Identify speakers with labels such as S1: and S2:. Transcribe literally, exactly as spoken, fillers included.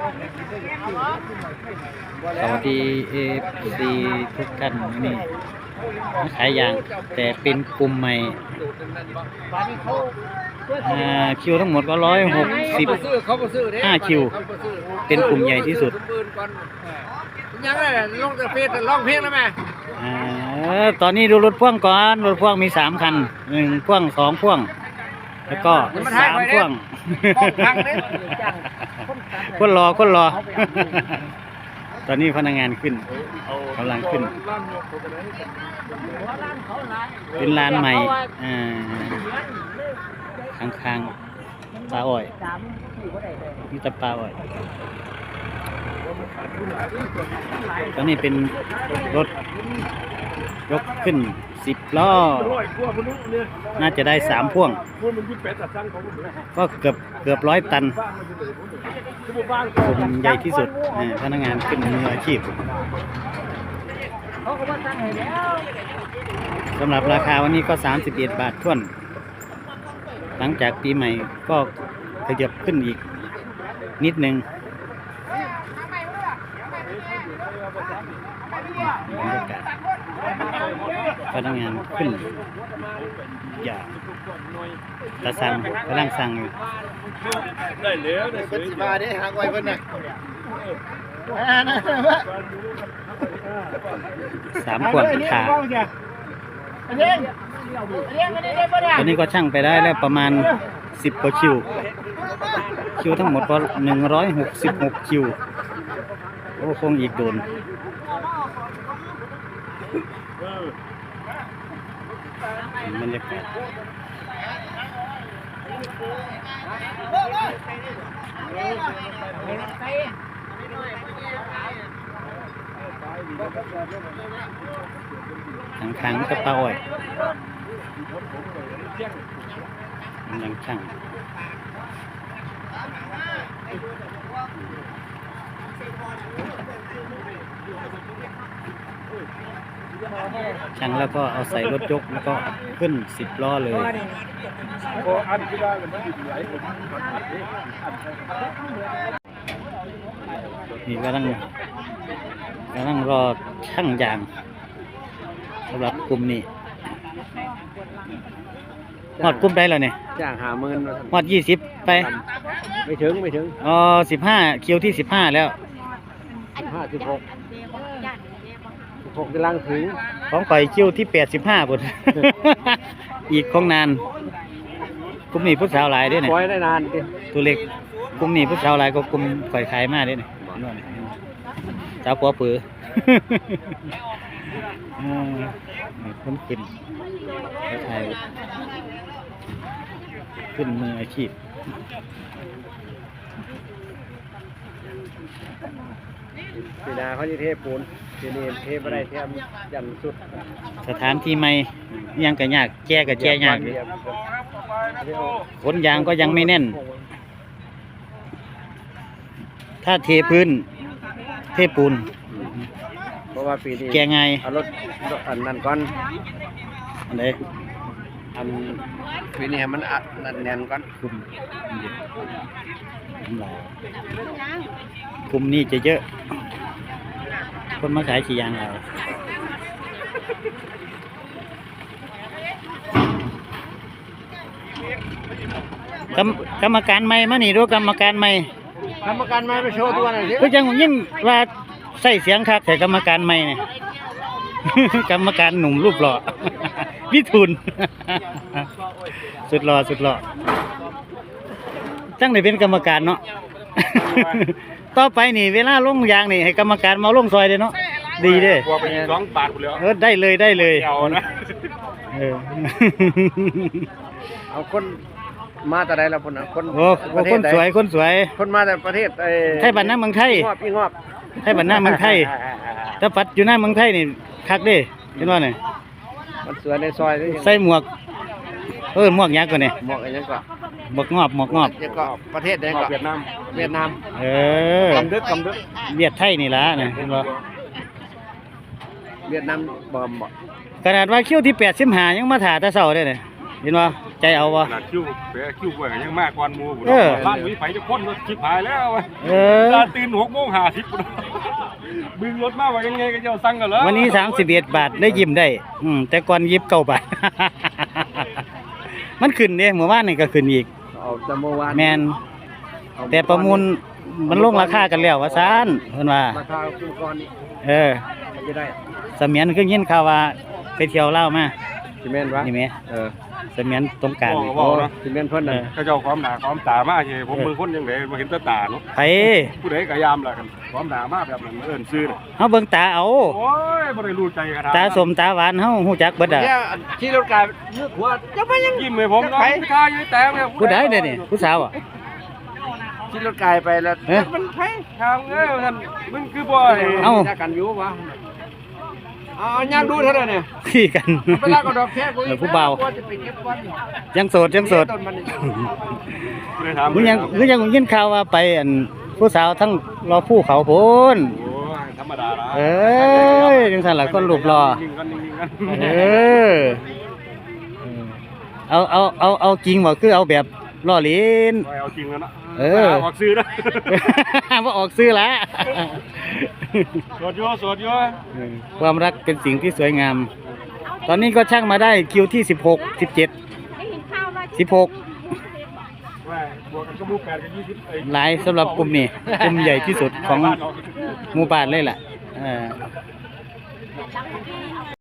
S1: สวัสดีเอฟซีทุกท่านนี่ขายยางแต่เป็นกลุ่มใหม่คิวทั้งหมดก็ร้อยหกสิบห้าคิวเป็นกลุ่มใหญ่ที่สุด
S2: ยังไงลงแต่เฟซร้องเพลงแล้วไหม
S1: ตอนนี้ดูรถพ่วงก่อนรถพ่วงมีสามคันหนึ่งพ่วงสองพ่วงแล้วก็สามพ่วงคนรอคนรอตอนนี้พนักงานขึ้นกำลังขึ้นเป็นร้านใหม่ข้างๆปลาอ้อยนี่ตะปลาอ้อยตอนนี้เป็นรถยกขึ้นสิบล้อน่าจะได้สามพ่วงก็เกือบเกือบร้อยตันกลุ่มใหญ่ที่สุดพนักงานขึ้นมืออาชีพสำหรับราคาวันนี้ก็สามสิบเอ็ดบาทท้วนหลังจากปีใหม่ก็ขยับขึ้นอีกนิดนึงบรรยากาศพนักงานขึ้นอย่างตะสั่งกำลังสั่งอยู่
S2: ได้เหลือได้สิบาทได้หางไว้เพิ่นน่ะ
S1: สามขวดขาตอนนี้ก็ช่างไปได้แล้วประมาณสิบกว่าคิวคิวทั้งหมดก็หนึ่งร้อยหกสิบหกคิวโอ้คงอีกโดนบรรยากาศขังๆกระเป๋าอ้อยยังช่างช่างแล้วก็เอาใส่รถยกแล้วก็ขึ้นสิบล้อเลยนี่กำลังกำลังรอช่างยางสำหรับกลุ่มนี้หอดกลุ่มได้แล้วเนี่ย
S2: จ้างหาหมื่น
S1: หอดยี่สิบไป
S2: ไม่ถึงไม่ถึง
S1: อ๋อสิบห้าคิวที่สิบห้าแล้ว
S2: สิบห้าสิบหกสิบหกกำลังถึง
S1: ของข่อยคิวที่แปดสิบห้าบท อีกคงนานกลุ่มนี้ผู้สาวหลายด้วยเนี่ย
S2: ปล่อยได้นาน
S1: ตัวเล็กกลุ่มนี้ผู้สาวหลายก็กลุ่มข่อยขายมากด้วยเนี่ยสาวปัวปือคนขึ้นไทยขึ้นมืออาชีพ
S2: ปีนาเขาจะเทปูนทีนี้เทไปได้เทมยันสุด
S1: สถานที่ใหม่ยังกระยากแก้กับแก้ยากขนยางก็ยังไม่แน่นถ้าเทพื้นเทปูน
S2: เพราะว่าปีนี้
S1: แก้ไง
S2: เอารถอันนั้นก่อน
S1: อันไหน
S2: อันปีนี้มันอัดนั่นแน่นก่อน
S1: กลุ่มกลุ่มนี้จะเยอะคนมาขายขี่ยางเรากรรมกรรมการใหม่มานี่ดูกรรมการใหม่
S2: กรรมการใหม่ไปโชว์ตัวหน่อยสิ
S1: คือจังยิ่งว่าใส่เสียงคักแต่กรรมการใหม่เนี่ยกรรมการหนุ่มรูปหล่อวิทูลสุดหล่อสุดหล่อจังได้เป็นกรรมการเนาะต่อไปนี่เวลาลงยางนี่ให้กรรมการมาลงซอยเลยเนาะดีเด้อ
S2: สองบาทเลย
S1: เออได้เลยได้เลยเออ
S2: เอาคนมาแต่ใดละคนคน
S1: โอ้คนสวยคนสวย
S2: คนมาแต่ประเทศไอ้
S1: ไทยบ้านหน้าเมืองไทย
S2: งอบพี่งอบ
S1: ไทยบ้านหน้าเมืองไทยถ้าปัดอยู่หน้าเมืองไทยนี่คักเด้เห็นว่าเนี่ย
S2: มันสวยในซอย
S1: ใส่หมวกเออหมวกยักษ์ก่อนเนี่ย
S2: หมวกอะไรก็
S1: หมวกงอบหมวกงอบ
S2: ยังก็ประเทศใดก็เวียดนามเวียดนาม
S1: เออก
S2: ำดึกกำดึก
S1: เวียดไทยนี่ละเนี่ยเห็นว่า
S2: เวียดนามบ่บ่
S1: ขนาดว่าคิวที่แปดสิบห้ายังมาถ่าตะเสาได้เนี่ยห็นบ่ใจเอาบ่
S3: ขนาดคิวเป๋คิวกล้วยก็ยังมากกว่าหมู่พุ่น
S1: เออ
S3: บ้านหวีไผจะคนรถชิบหายแล้ววะ
S1: เออ
S3: ตาตื่นหกโมงห้าสิบพุ่นบึงรถมาว่ายังไงก็เจ้าสั่งกันแล้ว
S1: วันนี้สามสิบเอ็ดบาทได้ยิ้มได้ อืมแต่ก่อนยิบเก้าบาท มันขึ้นเด้เมื่อวานนี่ก็ขึ้นอีก
S2: เอาแต่เมื่อวาน
S1: แมนแต่ประมูลมันลงราคากันแล้วว่าซานเพิ่นว่า
S2: ราคาคู่ก่อนนี่
S1: เออ
S2: มันจะได้
S1: เสมียนคือยินข่าวว่าไปเที่ยวลาวมา
S2: ซีเมนต์วะ
S1: นี่แหม
S2: เออ
S1: เสมียนตรงกลางนี่
S3: บอกเนาะ
S2: ซีเมนต์เพิ่นน่ะ
S3: เขาเจ้าความหนาความตามาเฮ้ผมมือคนยังไงมาเห็นแตาตาเนาะ
S1: ไผ
S3: ผู้ใดก็ยามล่ะกันความหนามาแบบนั้นเอิ้นซื้อน่ะ
S1: เฮาเบิ่งตาเอา
S3: โอ้ยบ่ได้รู้ใจกัน
S1: ตาสมตาหวานเฮาฮู้จักเบิดอ่ะ
S2: เนี่ยที่รถกายนึกว่าจะมายัง
S3: ยิ้มให้ผมเนาะไม่กล้าอยู่แต่เนี่ย
S1: ผู้ใดเด้อนี่ผู้สาวอ่ะ
S2: ที่รถกายไปแล้ว
S1: เอ๊ะ
S2: มันไผ
S3: ทางเอ้ยท่านมึงคือบ่ไอ้
S1: เอ้า
S2: จักกันอยู่วะเอาย่างดูเท่านั้นเนี่ย
S1: ขี้กัน
S2: เวลาก็ดอกแค่กู
S1: เออผู้เบา
S2: ว่าจะไปเก็บวัน
S1: ยังโสดยังโสด
S2: ต้นมันนี่
S3: เลยถาม
S1: มึงยังมึงยังยินข่าวว่าไปอันผู้สาวทั้งรอผู้เขาพูน
S3: โอ้ยธรรมดาละ
S1: เอ้ยจังซั่นล่ะคนรูปรอ
S3: นิ่งกันนิ่งกัน
S1: เออเอาเอาเอาเอาจริงบ่คือเอาแบบล่อเล่น
S3: เอาจริงแล้วนะ
S1: เออ
S3: ออกซื้อนะ
S1: ว่าออกซื้อละ
S3: สวดโยสวดโย
S1: ความรักเป็นสิ่งที่สวยงาม ตอนนี้ก็ช่างมาได้คิวที่สิบหก สิบเจ็ด สิบหก
S3: ว่าบวกกันก็มูแปดกันยี่สิบไอ้
S1: หลายสำหรับกลุ่มนี้กลุ่มใหญ่ที่สุดของหมู่บ้านเลยล่ะเออ